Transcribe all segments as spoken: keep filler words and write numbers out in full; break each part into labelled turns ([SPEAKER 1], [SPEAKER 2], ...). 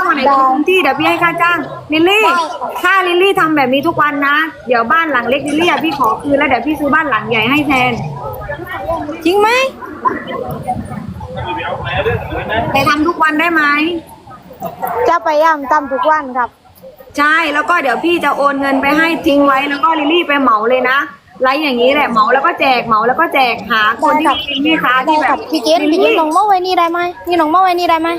[SPEAKER 1] วันไหนลงพื้นที่เดี๋ยวพี่ให้ค่าจ้างลิลลี่ถ้าลิลลี่ทำแบบนี้ทุกวันนะเดี๋ยวบ้านหลังเล็กลิลลี่อะพี่ขอคืนแล้วเดี๋ยวพี่ซื้อบ้านหลังใหญ่ให้แทนจริงไหมแต่ทำทุกวันได้ไหม
[SPEAKER 2] จะพยายามทำทุกวันครับ
[SPEAKER 1] ใช่แล้วก็เดี๋ยวพี่จะโอนเงินไปให้ทิ้งไว้แล้วก็ลิลลี่ไปเหมาเลยนะไลฟ์อย่างนี้แหละเหมาแล้วก็แจกเหมาแล้วก็แจกหาคนที่เป็นแม่ค้าที่แบบ
[SPEAKER 2] พี่เจนพี่เจนน้องเมาไว้นี่ได้ไหมนี่น้องเมาไว้นี่ได้ไหม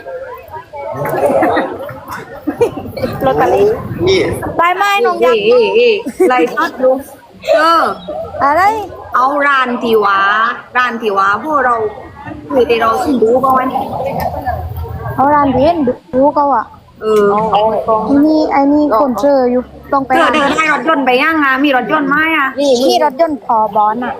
[SPEAKER 2] ลอตเตอรี่ได้ไหมน้องยักษ์
[SPEAKER 1] ไลฟ์ทอดดูเออ
[SPEAKER 2] อะไร
[SPEAKER 1] เอาร้านที่ว่าร้านที่ว่าพวกเราเคยได้เราซึ่งดูบ้างไหม
[SPEAKER 2] เอาร้านเด่นดูเขาอ่ะ
[SPEAKER 1] เออ
[SPEAKER 2] ไอ้นี่ไอ้นี่คนเจออยู่ต้องไป
[SPEAKER 1] เจอเดินให้รถยนต์ไปย่างงามีรถยนต์ไหมอ่ะ
[SPEAKER 2] มีรถยนต์พอบอลอ่ะ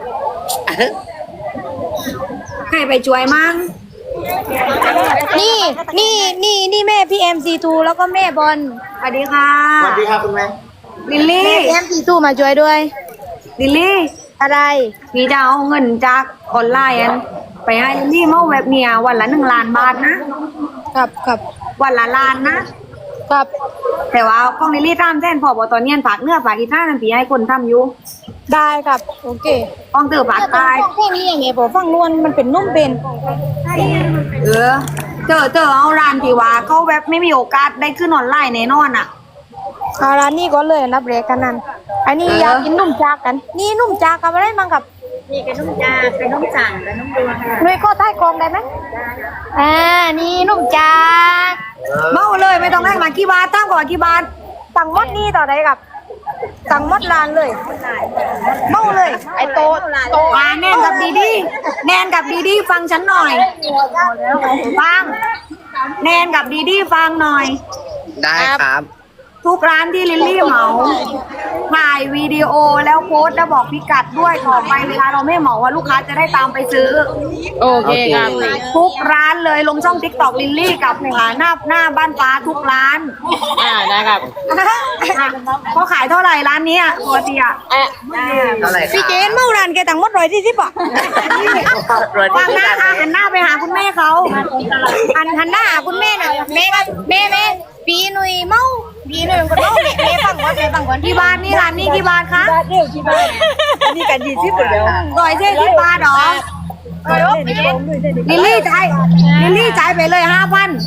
[SPEAKER 1] ใครไปช่วยมั่ง
[SPEAKER 2] นี่นี่นี่นี่แม่พี่เอ็มซีทูแล้วก็แม่บอล
[SPEAKER 1] สวัสดีค่ะ
[SPEAKER 3] สวัสดีครับคุณแม่
[SPEAKER 1] ลิลลี่
[SPEAKER 2] เอ็มซีทูมาช่วยด้วย
[SPEAKER 1] ลิลลี่
[SPEAKER 2] อะไร
[SPEAKER 1] พี่จะเอาเงินจากออนไลน์ไปให้ลิลลี่เมื่อแบบเนี้ยวันละหนึ่งล้านบาทนะครับ
[SPEAKER 2] ครับ
[SPEAKER 1] วันละล้านนะครับแต่ว่าของลิลลี่ตามแทนพอบอตอนนี้ฝากเนื้อฝากอีท่านั่นพี่ให้คนทำอยู่
[SPEAKER 2] ได้ครับโอเค
[SPEAKER 1] ของเธอฝากตาย
[SPEAKER 2] แค่นี้อย่างเงี้ยผมฟังนวลมันเป็นนุ่มเป็น
[SPEAKER 1] เออเจอเจอเอาร้านที่ว่าเขาแบบไม่มีโอกาสได้ขึ้นออนไลน์แน่นอนอ่ะ
[SPEAKER 2] เอาร้านนี้ก็เลยนับเรกกันนั่นอันนี้อยากกินนุ่มจากกันนี่นุ่มจากกับอะไรมั่งกับ
[SPEAKER 1] นี่เป็นนุ่มจากเป็นนุ่มจังเป็นนุ่มดวง
[SPEAKER 2] หน่วยก็ใต้กองได้ไหมอ่านี่นุ่มจาก
[SPEAKER 1] เมาเลยไม่ต้องแลกมากี่บาทตั้งก่อนกี่บาท
[SPEAKER 2] สั่งมดนี่ต่อได้กับสั่งมดลานเลยเมาเลยไอโตโต
[SPEAKER 1] อ่าแนนกับดีดีแนนกับดีดีฟังฉันหน่อยฟังแนนกับดีดีฟังหน่อย
[SPEAKER 3] ได้ครับ
[SPEAKER 1] ทุกร้านที่ลิลลี่เหมาถ่ายวิดีโอแล้วโพสต์แล้วบอกพิกัดด้วยต่อไปเวลาเราไม่เหมาว่าลูกค้าจะได้ตามไปซื้อ
[SPEAKER 2] โอเคครับ
[SPEAKER 1] ทุกร้านเลยลงช่องติ๊กต็อกลิลลี่กับหน้าหน้าบ้านฟ้าทุกร้าน
[SPEAKER 2] อ่าได้ครับ
[SPEAKER 1] เขาขายเท่าไหร่ร้านนี้อ่ะปกติอ่ะ
[SPEAKER 3] เท่าไหร่ครับ
[SPEAKER 2] พี่เจนเมื่อร้านแกต่างมดร้อยที่สิบอ่ะ
[SPEAKER 1] วางหน้าหันหน้าไปหาคุณแม่เขา
[SPEAKER 2] หันหันหน้าหาคุณแม่น่ะแม่แม่แม่ปีหนุ่ยเมาปีหนุ่ยก็เมาแม่ฟังก่อนแม่ฟังก่อน
[SPEAKER 1] กี่บาทนี่ร้านนี้กี่บาทคะ
[SPEAKER 2] เดียวกี่บาทนี่กันยี่สิบเดียว
[SPEAKER 1] ร้อยเจ็ดสิบบาทหรอลิลลี่จ่ายลิลลี่จ่ายไปเลยห้าพัน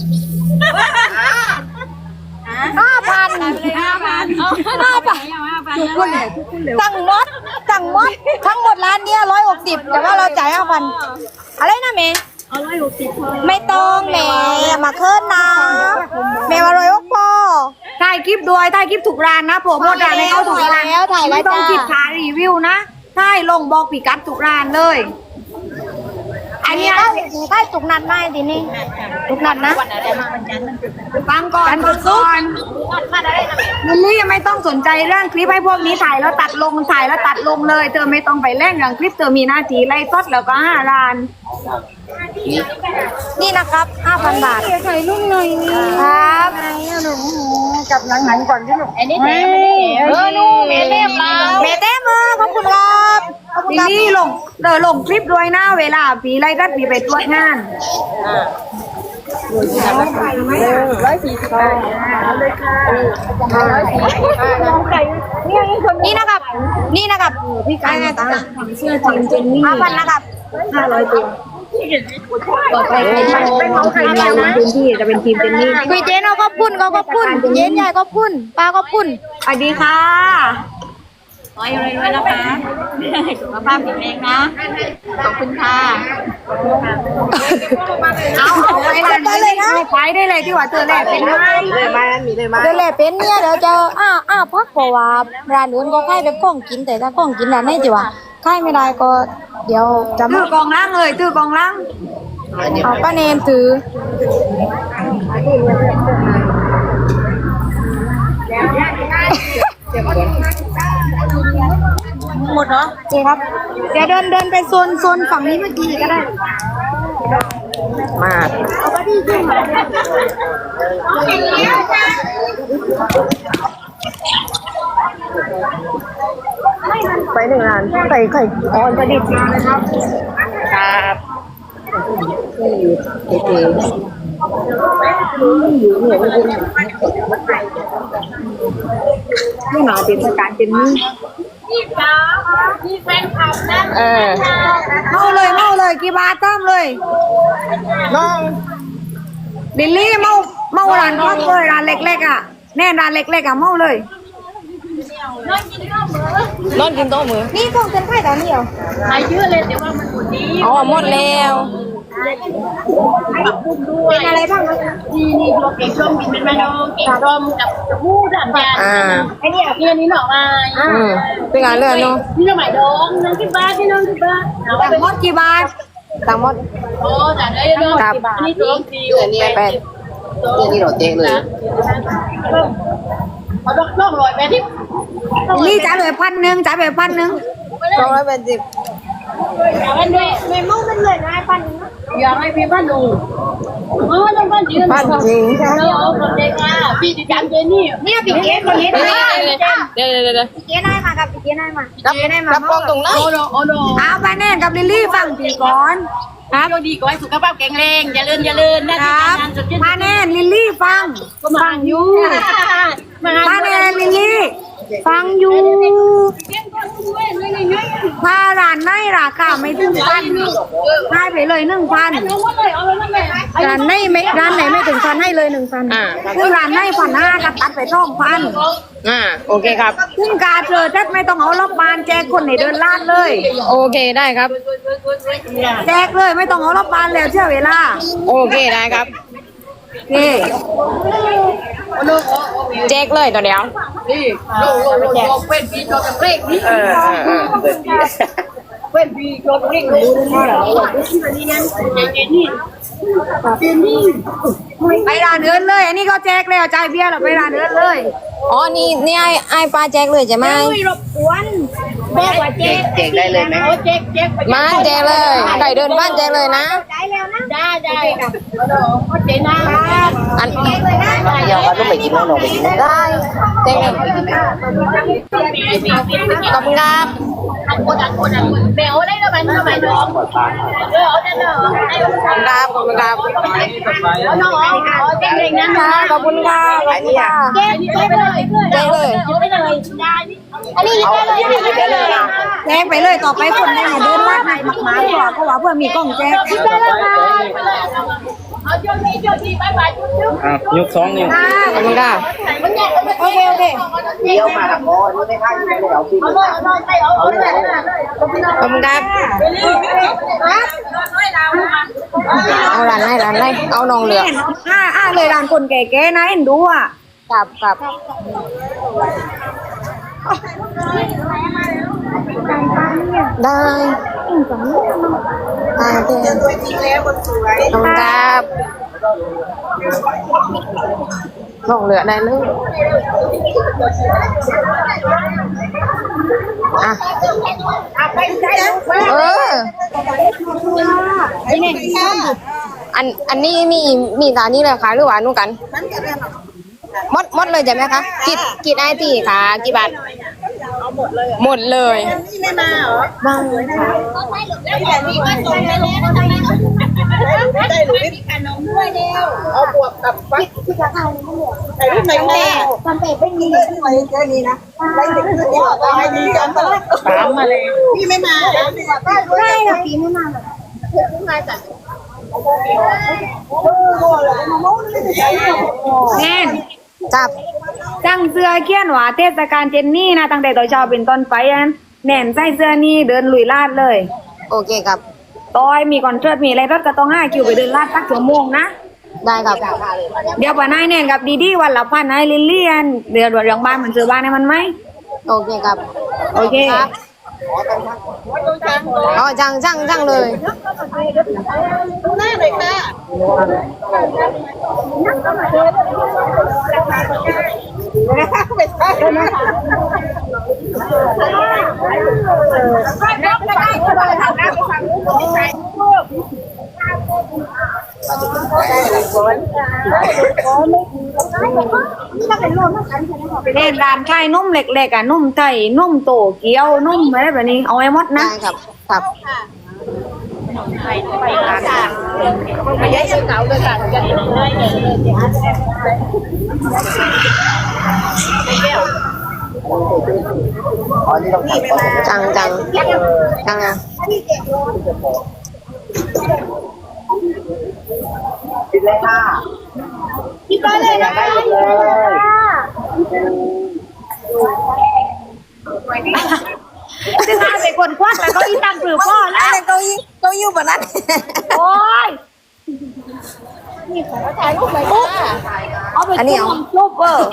[SPEAKER 2] ห้าพัน
[SPEAKER 1] ห้าพัน
[SPEAKER 2] ห้าพันสั่งมดสั่งมดทั้งหมดร้านเนี้ยร้อยหกสิบแต่ว่าเราจ่ายห้าพันอะไรนะเมย์ไม่ต้องแม่มาเคิร์นนะแม่มาเลยว่าพอ
[SPEAKER 1] ถ่ายคลิปด้วยถ่ายคลิปถูกร้านนะผมโมดร้านให้เขาถูกร้าน
[SPEAKER 2] แล้วถ่ายแล้ว
[SPEAKER 1] ไม่ต้องคลิปถ่ายรีวิวนะถ่ายลงบอกปีกัดถูกร้านเลย
[SPEAKER 2] อันนี้ถ่ายถูกนัดไหมทีนี้ถูกนัดนะ
[SPEAKER 1] ฟังก่อนฟังก่อนลิลลี่ยังไม่ต้องสนใจเรื่องคลิปให้พวกนี้ถ่ายแล้วตัดลงถ่ายแล้วตัดลงเลยเธอไม่ต้องไปเล่นอย่างคลิปเธอมีหน้าที่ไล่ทอดแล้วก็ห้าล้าน
[SPEAKER 2] นี่นะครับห้าพันบาทถ่ายรูปหน่อยครับจับหนังๆก่อนที่หนูอันนี้แม่เออนู่นแม่เต็มแล้วแม่เต็มมือขอบคุณครับ
[SPEAKER 1] ลิลลี่ลงเธอลงคลิปด้วยหน้าเวลาปีไล่รัดปีไปตรวจงาน
[SPEAKER 2] ร้อยสี่สิบห้าเลยค่ะนี่นะครับนี่นะครับ
[SPEAKER 1] พี่การตาเสื้อทีมเจนนี่
[SPEAKER 2] ห้าพันนะครับ
[SPEAKER 1] ห้าร้อยตัวต่อไปเป็นของใครเนี่ยนะพื้นที่จะเป็นทีมเจนนี่
[SPEAKER 2] คุยเจนเอาก็พุ่นเขาก็พุ่นเจนใหญ่ก็พุ่นปลาก็พุ่น
[SPEAKER 1] สวัสดีค่ะ
[SPEAKER 2] ร้อยรวยๆนะคะสุขภาพแข็งแรงนะขอบคุณค่ะ
[SPEAKER 1] เอาเอาไปเลยนะไปได้เลยที่ว่าเธอแหละเป็นไหม
[SPEAKER 3] เลยมามีเลยมา
[SPEAKER 2] เดี๋ยวแหละเป็นเนี่ยเดี๋ยวจะอ้าอ้าพักเพราะว่าร้านอื่นก็ค่ายเป็นกล้องกินแต่ถ้ากล้องกินร้านไหนจีวะค่ายไม่ได้ก็เดี๋ยวจะ
[SPEAKER 1] ถือกองล่างเลยถือกองล่าง
[SPEAKER 2] เอาป้าเนมถือหมดเหรอเจ๊ครับเดี๋ยวเดินเดินไปโซนโซนฝั่งนี้เมื่อกี้ก็ได้
[SPEAKER 3] มา
[SPEAKER 2] เอาไปที่ขึ้นมา
[SPEAKER 3] ไปหนึ่งร้านใส่ไข่ออนประดิษฐ์นะครับครับเก๋
[SPEAKER 1] นี่หนาเป็นสการเป็นนี่
[SPEAKER 3] เออ
[SPEAKER 1] เมาเลยเมาเลยกี่บาทตามเลย
[SPEAKER 3] น้อง
[SPEAKER 1] ดิลลี่เมาเมาร้านพักเลยร้านเล็กๆอ่ะแน่ร้านเล็กๆอ่ะเมาเลย
[SPEAKER 3] นอนกินโต๊ะมือ
[SPEAKER 2] นี่ต้องเป็นไข่ตอนนี้เหรอ
[SPEAKER 3] อ๋อหมดแล้ว
[SPEAKER 2] เป็นอะไรบ้างนะ
[SPEAKER 4] นี่นี่ตัวเก่งส้มกินเป็นแม่น้องเก่งส้มกับผู้ดันยา
[SPEAKER 3] อ่า
[SPEAKER 4] ไอ้นี่อ่ะนี่อันนี้หน่อไม้
[SPEAKER 3] อืมเป็นงานเรื่องเนาะ
[SPEAKER 4] นี่หน่อไม้ดองน้องที่บ้านที่น้องที่บ้านเอาไป
[SPEAKER 1] แต่หมดกี่บาท
[SPEAKER 3] ตังหมด
[SPEAKER 4] โอ้แต่ได้เรื่องกี่บาทอันนี้ตัวดี
[SPEAKER 3] อันนี้แปดนี่เราเจ๊เลย
[SPEAKER 4] เขาต้องต้องลอยไปที่
[SPEAKER 1] ดิลลี่จ่ายไปพันหนึ่งจ่ายไปพันหนึ่ง
[SPEAKER 3] สองร้อยแปดสิบ
[SPEAKER 4] อยากให้ด้วย
[SPEAKER 2] เมมูเป็นเลยนะไอ้ปันนะ
[SPEAKER 4] อยากให้พี่บ้านดูเออต้องบ้านจริง
[SPEAKER 3] บ้านจริง
[SPEAKER 4] เออเอาคนเด็กอ่ะพี่ดิฉันเจนี่
[SPEAKER 2] เนี่ยปีเก๋คนนี้ได้
[SPEAKER 3] เดี๋ยวเดี๋ยวเดี๋ยว
[SPEAKER 2] ปีเก๋ได้มากับปีเก๋ได้มา
[SPEAKER 3] รับรับกองตรงไหน
[SPEAKER 4] โอ้โหโอ้โห
[SPEAKER 1] เอาไปแน่กับลิลลี่ฟังทีก่อน
[SPEAKER 4] ครับดีก็ให้สุขภาพแข็งแรงอย่าเลื่อนอย่าเลื่อนนะ
[SPEAKER 1] ค
[SPEAKER 4] ที่
[SPEAKER 1] รับ
[SPEAKER 4] ทำงานสุดที่
[SPEAKER 1] มาแน่ลิลลี่ฟังฟังอยู่มาแน่ลิลลี่ฟังอยู่ถ้าร้านไหนราคาไม่ถึงพันให้ไปเลยหนึ่งพันร้านไหนไม่ร้านไหนไม่ถึงพันให้เลยหนึ่งพัน
[SPEAKER 3] อ่า
[SPEAKER 1] คือร้านไหนพันห้าก็ตัดไปสองพัน
[SPEAKER 3] อ่าโอเคครับ
[SPEAKER 1] ซึ่งการเจอแทบไม่ต้องเอารอบบานแจกคนในเดินลาดเลย
[SPEAKER 3] โอเคได้ครับ
[SPEAKER 1] แจกเลยไม่ต้องเอารอบบานแล้วเชื่อเวลา
[SPEAKER 3] โอเคได้ครับ
[SPEAKER 1] โอเค
[SPEAKER 3] แจกเลยตัวเดียว
[SPEAKER 4] นี่โลโลโลโลเป็นปีโจกับเร่งนี่
[SPEAKER 3] เออเออเออ
[SPEAKER 4] เป็นปีโจกับเร่งนี่นี่นั่นเจนี่เจนี่
[SPEAKER 1] ไปร้านเดินเลย อันนี้ก็แจกแล้วจ่ายเบี้ยแล้วไปร้านเดินเลย
[SPEAKER 3] อ๋อนี่นี่ไอ้ไอ้ปลาแจกเลยใช่ไหม
[SPEAKER 4] ไม่รบกวนแม่ว่าเจ๊เจ๊ได้เลยไหมโอ้เจ๊เจ๊
[SPEAKER 3] มาแจกเลยไก่เดินบ้านแจกเลยนะ
[SPEAKER 2] ได้แล้วนะ
[SPEAKER 4] ได้ได้ค่ะเจ๊นะ
[SPEAKER 3] อัน
[SPEAKER 5] อยากว่าต้องไปกินแล้วลองไปกิน
[SPEAKER 3] ได้แจกเลยขอบคุณครับ
[SPEAKER 4] อันคนอันคนอันคนแมวได้แล้วมันทำไมน้องเออเอาได้เลย
[SPEAKER 3] ครับขอบคุณครับ
[SPEAKER 4] เอาน้องเอาเจ๊เองนะ
[SPEAKER 3] ขอบคุณค่ะขอบคุณค่ะ
[SPEAKER 4] เจ๊เจ๊ไปเลย
[SPEAKER 3] แจกเลย
[SPEAKER 4] เอาไปเลยได้
[SPEAKER 2] อันนี้ได้เลย
[SPEAKER 3] ได้เลยนะ
[SPEAKER 1] แจกไปเลยต่อไปคนได้มาเดินลาดในมักหมาตัวเพราะว่าเพื่อมีกล้องแจก
[SPEAKER 4] ได้แล้วค่ะเอาโยนนี่โยนนี่บายบายจุ๊บจุ๊บ
[SPEAKER 5] อ่ะยกสองนิ้ว
[SPEAKER 3] ขอบคุณค่ะ
[SPEAKER 1] โอเคโอเค
[SPEAKER 5] เดี๋ยวมาละโอ้ยไม่ได้ไม่ได้เอาพี่
[SPEAKER 4] เอาเลยเอาเลยเอาเอาเลย
[SPEAKER 3] ขอบคุณครับเอาร้านไหนร้านไหนเอานองเหลือง
[SPEAKER 1] อ่าอ่าเลยร้านคนแก่ๆนะเอ็นดูอ่ะ
[SPEAKER 3] ครับครับได้อ่าโอเคขอบคุณครับนองเหลือได้เลยอ่ะเอออันอันนี้มีมีตานี้เลยค่ะหรือว่านู่นกันหมดหมดเลยใช่ไหมคะกิดกิดไอทีค่ะกี่บาทหมดเลยหมดเลย
[SPEAKER 2] ทำเป็ดไม่มีเลยที่ไหนแค่นี้นะไรถึงจะบอกว่าให้ดีกันตลอด
[SPEAKER 5] ตามมาเลย
[SPEAKER 2] พี่ไม่มาได้ค่ะพี่ไม่มาหรอก
[SPEAKER 1] แน่น
[SPEAKER 3] จับ
[SPEAKER 1] จังเสื้อเขียนว่าเทศกาลเจนนี่นะตั้งแต่ตอนเช้าเป็นต้นไปอันแน่นใส่เสื้อนี่เดินลุยลาดเลย
[SPEAKER 3] โอเคครับ
[SPEAKER 1] ต้อยมีคอนเสิร์ตมีอะไรรถก็ต้องห้าคิวไปเดินลาดสักชั่วโมงนะ
[SPEAKER 3] ได้ครับ
[SPEAKER 1] เดี๋ยวป่านายแน่นกับดีดีวันละพันนายลิลลี่อันเดือนวันเรื่องบ้านมันซื้อบ้านให้มันไหม
[SPEAKER 3] โอเคครับ
[SPEAKER 1] โอเค
[SPEAKER 3] ครับอ๋อจังจังจังเลย
[SPEAKER 2] หน้าเลยค่ะ
[SPEAKER 1] เล่นร้านขายนุ่มเล็กๆอ่ะนุ่มไทยนุ่มโตเกี๊ยวนุ่มอะไรแบบนี้เอาไว้หมดนะ
[SPEAKER 3] ได้ครับครับ
[SPEAKER 4] ไม่ใช่เก่าเลยค่ะจะได้เงิน
[SPEAKER 5] อ๋อนี่ต้องตัดก่อน
[SPEAKER 3] จังจังจังอ่ะ
[SPEAKER 5] ปิดเลยค่ะ
[SPEAKER 2] คิดได้เลยนะ
[SPEAKER 5] ได้เลย
[SPEAKER 1] ซึ่งอาเป็นคนควักแล้วก็อีตังปลือพ่อแล้ว
[SPEAKER 2] อะไรเก้าอี้เก้าอี้แบบนั้น
[SPEAKER 1] โอ้ย เอาไป
[SPEAKER 3] อันนี้เอา
[SPEAKER 1] จุ่มซุปเปอร์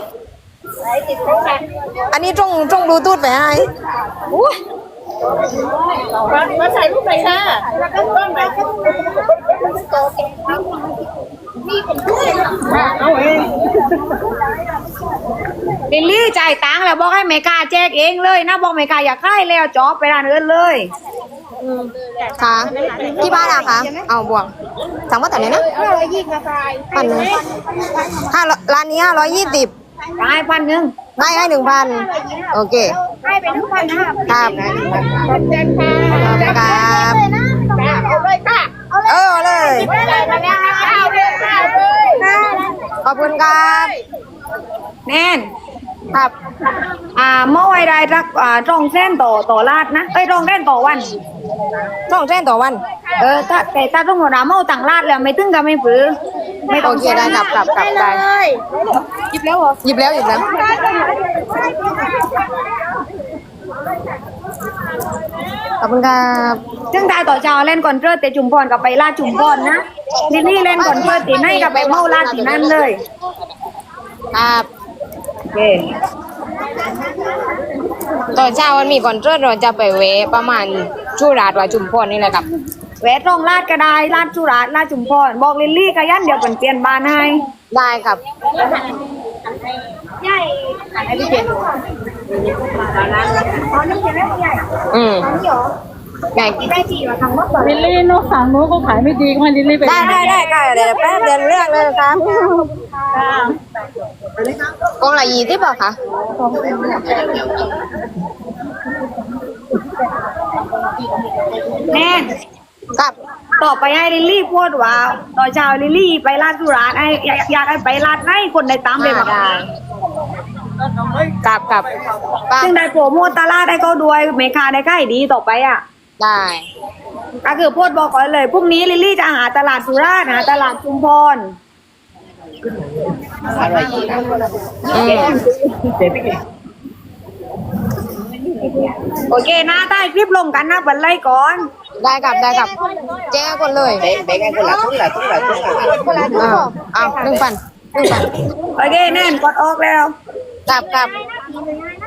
[SPEAKER 3] อันนี้ตรงตรงบลูทูธไปให้
[SPEAKER 4] มาใส่ลูกไปค่ะ
[SPEAKER 1] ลิลลี่จ่ายตังค์แล้วบอกให้เมกาแจกเองเลยนะบอกเมกาอยากได้แล้วจอบไปร้านอื่นเลย
[SPEAKER 3] ค่ะที่บ้านอะคะเอาบวกสั่งว่าแต่ไหนนะพันหนึ่งห้าร้านนี้ห้าร้อยยี่สิบ
[SPEAKER 1] ได้พันหนึ่ง
[SPEAKER 3] ให้ให้หนึ่งพันโอเค
[SPEAKER 1] ให้ไปทุกพันห้า
[SPEAKER 3] ครับครับ
[SPEAKER 4] เอาเลยค่ะ
[SPEAKER 3] เออเอาเลย
[SPEAKER 4] ไม่ได้มาแล้วเอาเลยเอาเลย
[SPEAKER 3] ขอบคุณครับ
[SPEAKER 1] แน่น
[SPEAKER 3] ครับ
[SPEAKER 1] อ่าเมื่อไว้ได้รักอ่าตรงเส้นต่อต่อลาดนะเอ้ยตรงเส้นต่อวัน
[SPEAKER 3] ต้องแจ้งต่อวัน
[SPEAKER 1] เออถ้าแต่ถ้าต้องหัวหน้าเมาต่างลาดแล้วไม่ตึงก็ไม่ฝือไม่ต้
[SPEAKER 3] โอ
[SPEAKER 1] อง
[SPEAKER 3] เคได้กลับกลับกลับได้
[SPEAKER 1] หยิบแล้วเหรอ
[SPEAKER 3] หยิบแล้วหยิบแล้วขอบคุณครับ
[SPEAKER 1] ซึ่งได้ต่อเช้าเล่นก่อนเพื่อแต่จุ่มพรกับไปลาดจุ่มพรนะลิลลี่เล่นก่อนเพื่อตีให้กับไปเมาลาดตีนั่นเลย
[SPEAKER 3] ครับ
[SPEAKER 1] โอเค
[SPEAKER 3] ตอนเช้าวันมีก่อนเริ่เราจะไปเวะประมาณชูราดว่าจุ่มพรนี่แหละครับ
[SPEAKER 1] แหวะตรงลาดก็ได้ลาดจุฬาลาดจุ่มพรบอกลิลลี่กับยันเดี๋ยวเป็นเปลี่ยนบ้านให้
[SPEAKER 3] ได้ครับ อืมไง
[SPEAKER 5] ลิลลี่นกฝั่งนู้นก็ขายไม่ดีก็ให้ลิลลี่ไป
[SPEAKER 3] ได้ได้ได้ค่ะเดี๋ยวแป๊บเดี๋ยวเรื่องเลยครับกองละยี่สิบเปล่าคะ
[SPEAKER 1] แน่
[SPEAKER 3] ครับ
[SPEAKER 1] ต่อไปให้ลิลลี่พูดว่าต่อนเช้าลิลลี่ไปลาดจุฬาให้อยากอยากให้ไปลาดให้คนในตามเลย
[SPEAKER 3] อ่า
[SPEAKER 1] มา
[SPEAKER 3] ได้กับกับป้า
[SPEAKER 1] ซึ่งได้โปรโมทตลาดได้ก็ด้วยเมคาได้ใกล้ดีต่อไปอ่ะ
[SPEAKER 3] ได้
[SPEAKER 1] ก็คือพูดบอกก่อนเลยพรุ่งนี้ลิลลี่จะหาตลาดสุราษฎร์หาตลาดชุมพร
[SPEAKER 3] อืม
[SPEAKER 1] โอเคนะใต้คลิปลงกันนะบันไล่ก่อน
[SPEAKER 3] ได้กับได้กับแจ้ก่อนเลย
[SPEAKER 5] เบ๊เบ๊ไงคนละทุ่งละทุ่งละทุ่งละ
[SPEAKER 3] อ่าเอาหนึ่งพันหนึ่งพัน
[SPEAKER 1] โอเคแน่นกดออกแล้ว
[SPEAKER 3] กับกับ